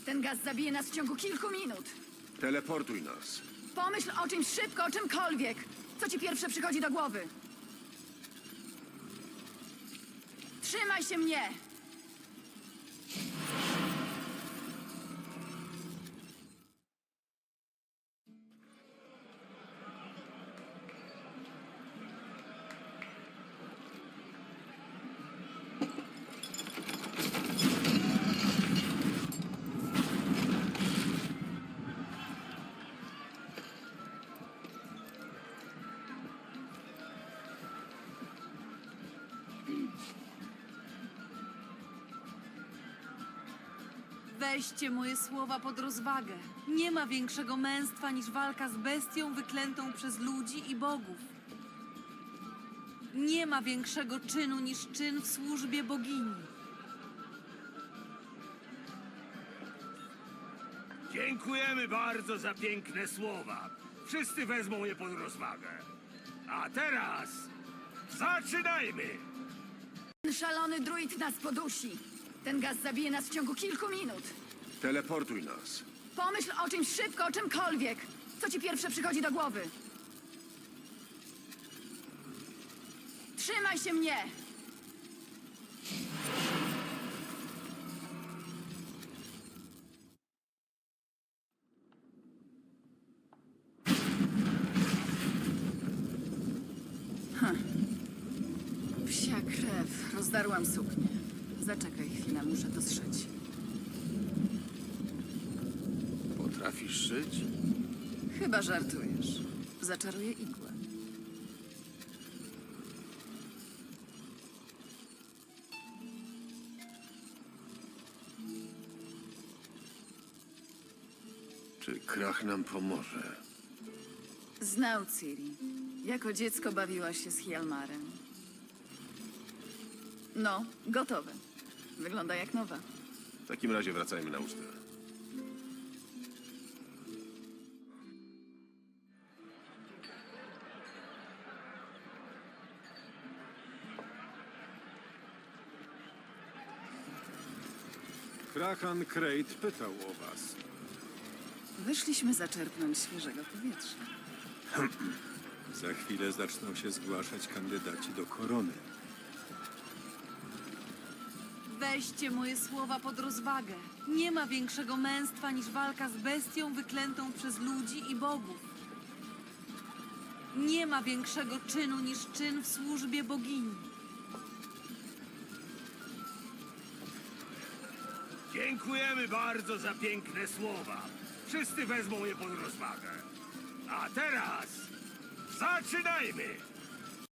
Ten gaz zabije nas w ciągu kilku minut. Teleportuj nas. Pomyśl o czymś szybko, o czymkolwiek. Co ci pierwsze przychodzi do głowy? Trzymaj się mnie! Weźcie moje słowa pod rozwagę. Nie ma większego męstwa niż walka z bestią wyklętą przez ludzi i bogów. Nie ma większego czynu niż czyn w służbie bogini. Dziękujemy bardzo za piękne słowa. Wszyscy wezmą je pod rozwagę. A teraz zaczynajmy! Ten szalony druid nas podusi. Ten gaz zabije nas w ciągu kilku minut. Teleportuj nas. Pomyśl o czymś szybko, o czymkolwiek. Co ci pierwsze przychodzi do głowy? Trzymaj się mnie! Psia krew. Rozdarłam suknię. Zaczekaj chwilę, muszę to zszyć. Potrafisz szyć? Chyba żartujesz. Zaczaruję igłę. Czy Krach nam pomoże? Znał Ciri. Jako dziecko bawiła się z Hjalmarem. No, gotowe. Wygląda jak nowa. W takim razie wracajmy na ucztę. Krahan Krejt pytał o was. Wyszliśmy zaczerpnąć świeżego powietrza. Za chwilę zaczną się zgłaszać kandydaci do korony. Weźcie moje słowa pod rozwagę. Nie ma większego męstwa niż walka z bestią wyklętą przez ludzi i bogów. Nie ma większego czynu niż czyn w służbie bogini. Dziękujemy bardzo za piękne słowa. Wszyscy wezmą je pod rozwagę. A teraz zaczynajmy!